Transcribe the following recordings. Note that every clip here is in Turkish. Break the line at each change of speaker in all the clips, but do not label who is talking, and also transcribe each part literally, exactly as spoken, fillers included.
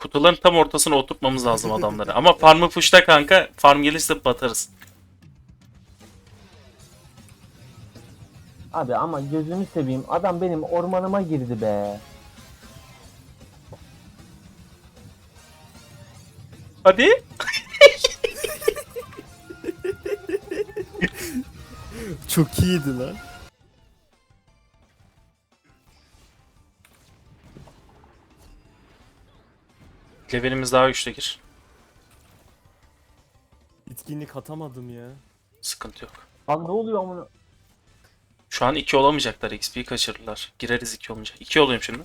Kutuların tam ortasına oturtmamız lazım adamları. Ama farmı push'ta kanka. Farm gelirse batarız.
Abi ama gözünü seveyim. Adam benim ormanıma girdi be.
Hadi.
Çok iyiydi lan.
Levelimiz daha güçlüdür.
Etkinlik atamadım ya.
Sıkıntı yok.
Lan ne oluyor amına?
Şu an iki olamayacaklar. X P'yi kaçırırlar. Gireriz iki olunca. iki olayım şimdi.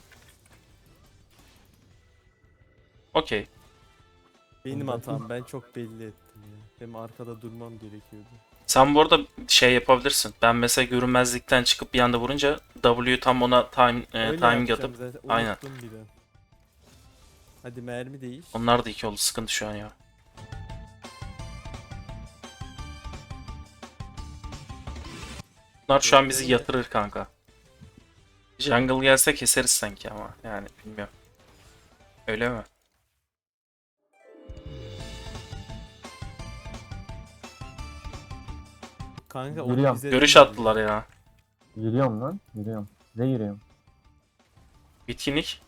Okey.
Benim hatam, ben çok belli ettim ya. Benim arkada durmam gerekiyordu.
Sen bu arada şey yapabilirsin. Ben mesela görünmezlikten çıkıp bir anda vurunca W tam ona time e,
Öyle
timing
yapacağım
atıp
zaten,
aynen.
unuttum bir de. Hadi mermi değiş.
Onlar da iki oldu. Sıkıntı şu an ya. Bunlar şu an bizi yatırır kanka. Jungle gelse keseriz sanki ama yani bilmiyorum. Öyle mi?
Kanka onu
Yürüyorum.
bize
Görüş
değil.
attılar ya.
Yürüyorum lan. Yürüyorum. Size yürüyorum.
Bitkinlik.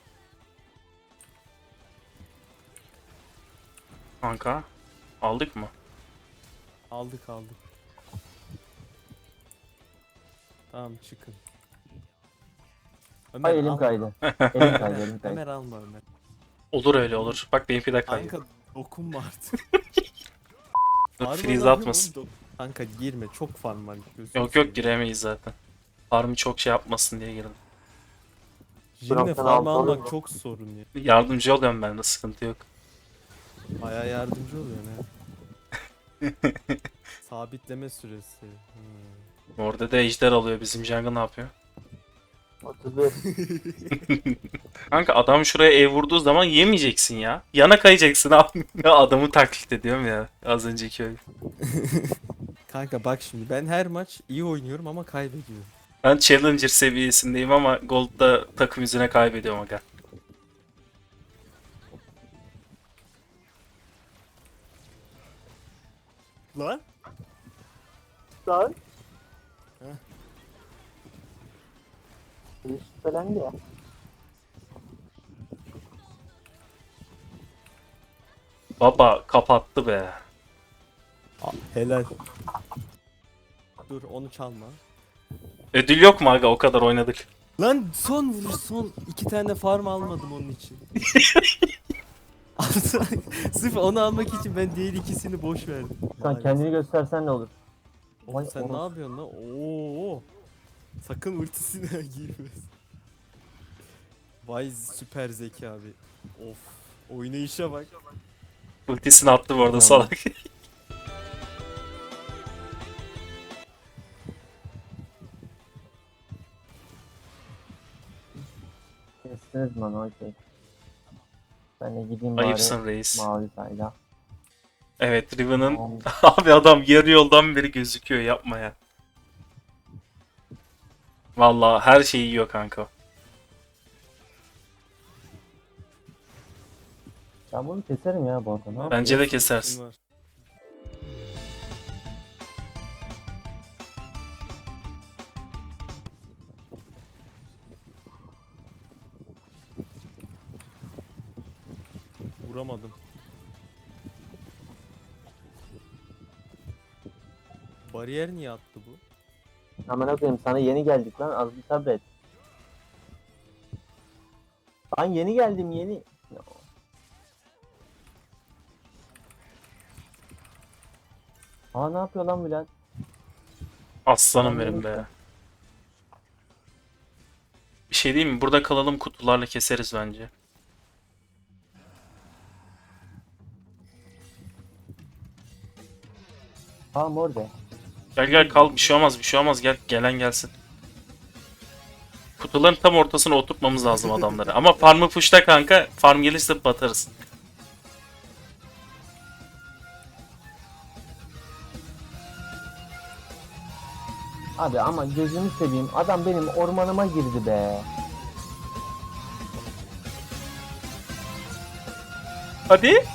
Kanka. Aldık mı?
Aldık aldık. Tamam çıkın. Ömer
Ay elim
alma.
kaydı. Elim kaydı, elim kaydı.
Ömer alma Ömer.
Olur öyle olur. Bak benimki de kayıyor.
Kanka dokunma artık.
Dur,
Farm
freeze
alamıyorum
atmasın.
oğlum, dok- Kanka girme, çok farm var. gözünü
Yok yok
seveyim.
giremeyiz zaten. Farmı çok şey yapmasın diye girdim.
Jirine
Bıraktan
farm
altı
almak
alayım.
çok sorun ya.
Yardımcı oluyorum ben de sıkıntı yok.
Baya yardımcı oluyor ne? Sabitleme süresi. Hmm.
Orada da ejder alıyor. Bizim jungle ne yapıyor?
otuz beş.
Kanka adam şuraya ev vurduğu zaman yemeyeceksin ya. Yana kayacaksın abi. Adamı taklit ediyorum ya. Az önceki oyun.
Kanka bak şimdi, ben her maç iyi oynuyorum ama kaybediyorum.
Ben Challenger seviyesindeyim ama Gold'da takım yüzüne kaybediyorum aga.
Lan?
Lan.
Heh.
Bir şüphelendi ya.
Baba kapattı be.
Helal. Dur onu çalma.
Ödül yok mu aga, o kadar oynadık.
Lan son vuruş, son iki tane farm almadım onun için. Sırf onu almak için ben diğer ikisini boş verdim.
Sen
Maalesef.
kendini göstersen ne olur?
Oğlum sen
Oğlum.
ne yapıyorsun lan? Oo. Sakın ultisine girme. Vay süper zeki abi. Of. Oynayışa bak.
Ultisini attı bu arada
Tamam.
salak.
Kestiniz mi onu? Okey. Ben de gideyim
Ayıpsın
bari
reis.
mavi sayda.
Evet Riven'ın
Tamam.
abi adam yarı yoldan beri gözüküyor, yapma ya. Vallahi her şeyi yiyor kanka.
Ben bunu keserim ya bu arada. Ne yapayım?
Bence de
Ultin
kesersin.
var. Vuramadım. Bariyer niye attı bu?
Aman koyayım, sana yeni geldik lan, az bir sabret. Ben yeni geldim yeni. Aa ne yapıyor lan Bülent?
Aslanım benim be. Bir şey diyeyim mi? Burada kalalım, kutularla keseriz bence.
Aa mor be.
Gel gel kal, bir şey olmaz bir şey olmaz, gel gelen gelsin. Kutuların tam ortasına oturtmamız lazım adamları. Ama farmı push'ta kanka, farm gelirse batarız.
Abi ama gözünü seveyim, adam benim ormanıma girdi be.
Hadi.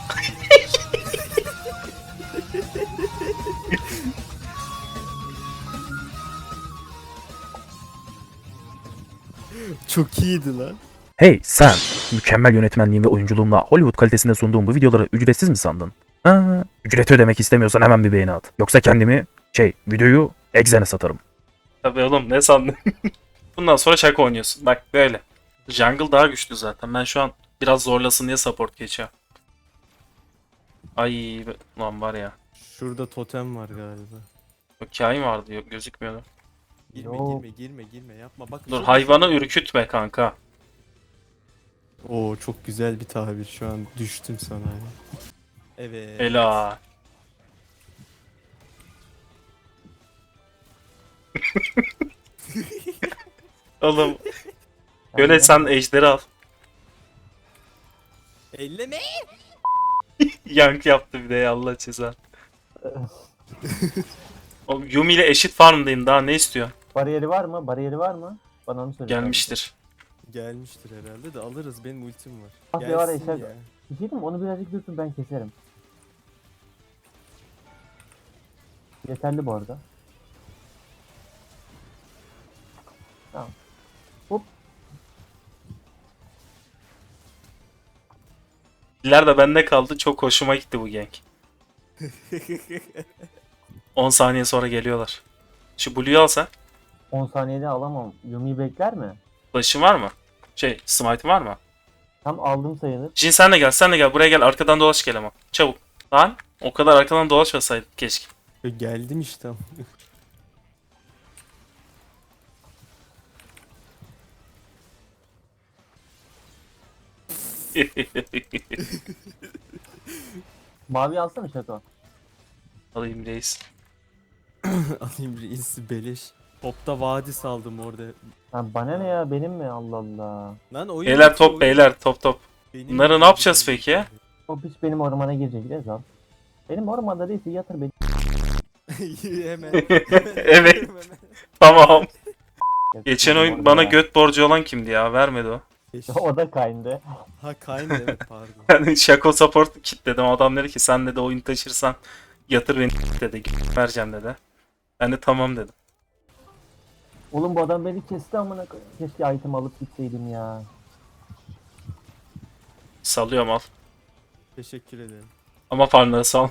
Çok iyiydi lan.
Hey sen! Mükemmel yönetmenliğim ve oyunculuğumla Hollywood kalitesinde sunduğum bu videoları ücretsiz mi sandın? Ha, ücreti ödemek istemiyorsan hemen bir beğeni at. Yoksa kendimi, şey, videoyu Exen'e satarım.
Tabii oğlum ne sandın? Bundan sonra şaka oynuyorsun. Bak böyle. Jungle daha güçlü zaten. Ben şu an biraz zorlasın diye support geçiyorum. Ay lan var ya.
Şurada totem var galiba.
Yok kain vardı yok gözükmüyordu.
Girme
Yok.
girme girme girme yapma. Bak
Dur hayvanı ürkütme kanka.
Oo çok güzel bir tabir şu an düştüm sana. ya. Evet.
Ela. Oğlum öyle sen ejderi al.
Elleme.
Yank yaptı bir de ya Allah ceza. Oğlum Yumi ile eşit farmdayım daha ne istiyor?
Bariyeri var mı? Bariyeri var mı? Bana onu söyle.
Gelmiştir.
Gelmiştir herhalde de alırız benim ultim var.
Ah be var ya,
Gelsin
eşer-
ya.
Bir şey diyeyim mi? Onu birazcık dursun, ben keserim. Yeterli bu arada. Tamam. Hop.
Diller de bende kaldı çok hoşuma gitti bu gank. on saniye sonra geliyorlar. Şu Blue'yu alsa.
on saniyede alamam. Yumi'yi bekler mi?
Flash'ın var mı? Şey smite'ın var mı?
Tam aldım sayılır.
Jin sen de gel sen de gel buraya gel arkadan dolaş gel ama. Çabuk. Lan o kadar arkadan dolaşmasaydık keşke.
Geldim işte.
Mavi alsana Şato.
Alayım reis.
Alayım reis beleş. Topta vadi saldım orada.
Lan bana ne ya, benim mi? Allah Allah.
Lan oyun
Beyler
bitiyor,
top
oyun-
beyler top top.
Benim
Bunları ne
oyun
yapacağız
bitiyor.
peki ya?
O piç benim ormana girecek Rezal. Benim ormanda değilse yatır beni.
Hemen.
Evet.
Hemen.
Tamam. Geçen
Benim
oyun
ormana-
bana göt borcu olan kimdi ya? Vermedi o.
O da kayndı.
Ha Kayn evet pardon.
Yani Shaco support kitledim. Adam dedi ki sen de oyun taşırsan yatır beni dedi. Vereceğim dedi. Ben de tamam dedim.
Oğlum bu adam beni kesti amına koyayım. Keşke item alıp gitseydim ya.
Salıyorum al.
Teşekkür ederim.
Ama farmları sal.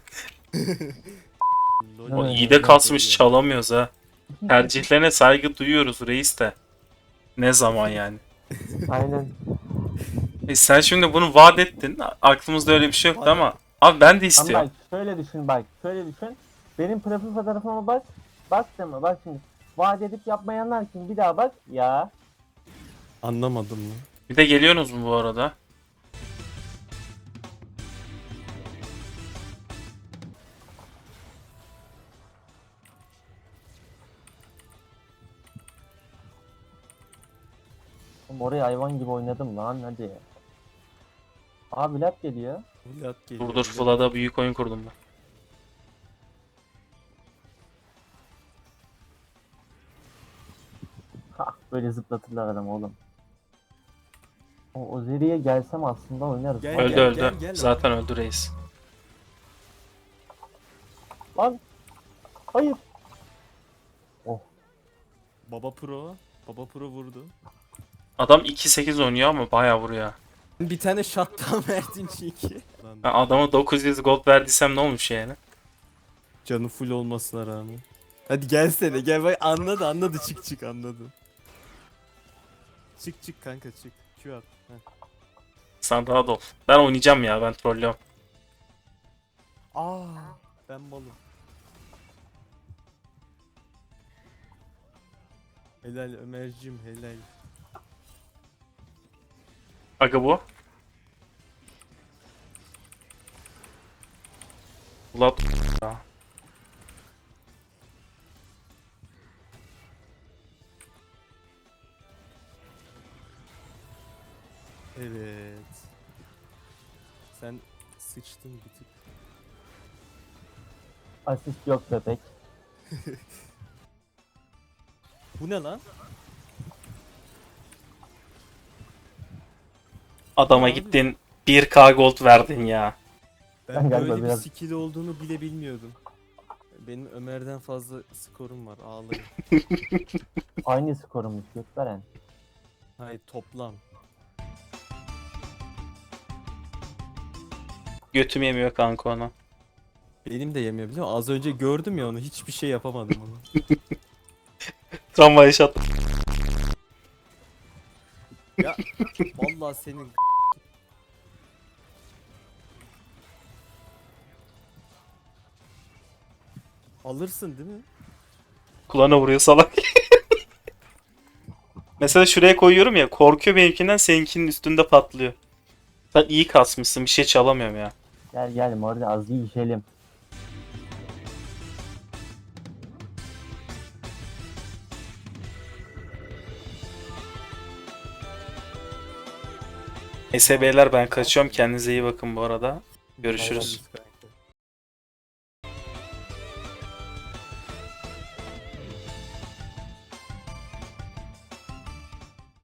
Lol.
O
Evet,
iyi de
evet,
kasmış
evet.
çalamıyoruz ha. Tercihlerine saygı duyuyoruz reis de. Ne zaman yani?
Aynen.
E sen şimdi bunu vaat ettin. Aklımızda öyle bir şey yoktu ama. Abi ben de
Ama
istiyorum.
bak şöyle düşün bak. Şöyle düşün. Benim profil fotoğrafıma bak. Bak deme bak şimdi. Vaat edip yapmayanlar kim? Bir daha bak. Ya.
Anlamadım lan.
Bir de geliyorsunuz mu bu arada?
Oğlum oraya hayvan gibi oynadım lan hadi. Abi lap geliyor.
Vlad geliyor.
Dur dur
Vlad.
Vlad'a büyük oyun kurdum ben.
Ha böyle zıplatırlar adam oğlum. O Ozeri'ye gelsem aslında oynarız.
Gel,
Öldü
gel,
öldü.
gel, gel.
Zaten öldü reis.
Lan. Hayır.
Baba Pro. Baba Pro vurdu.
Adam iki sekiz oynuyor ama bayağı vuruyor.
Bir tane shutdown verdin çünkü. Lan
Ben adama dokuz yüz gold verdiysem ne olmuş yani?
canı full olmasına rağmen. Hadi gelsene gel bak anladı anladı çık çık anladı. Çık çık kanka çık. Q at. Heh.
Sen rahat ol. Ben oynayacağım ya ben trollüyorum.
Aa ben malım. Helal Ömer'cim helal.
Aga bu. Vlad ya.
Evet. Sen sıçtın bir tık.
Asist yok bebek.
Bu ne lan?
Adama
Abi.
gittin bir K gold verdin ya.
Ben
Ben galiba
böyle bir
biraz-
skill olduğunu bile bilmiyordum. Benim Ömer'den fazla skorum var ağlayın.
Aynı skorumuz gösteren.
Hayır toplam.
Götüm yemiyor kanka onu.
Benim de yemiyor biliyor musun? Az önce gördüm ya onu hiçbir şey yapamadım onu.
Tam yaşat.
Ya vallahi senin alırsın değil mi?
Kulağına vuruyor salak. Mesela şuraya koyuyorum ya, korkuyor benimkinden, seninkinin üstünde patlıyor. Sen iyi kasmışsın, bir şey çalamıyorum ya.
Gel gel Mordi az iyi içelim.
Neyse beyler ben kaçıyorum, kendinize iyi bakın bu arada. Görüşürüz.
Vallahi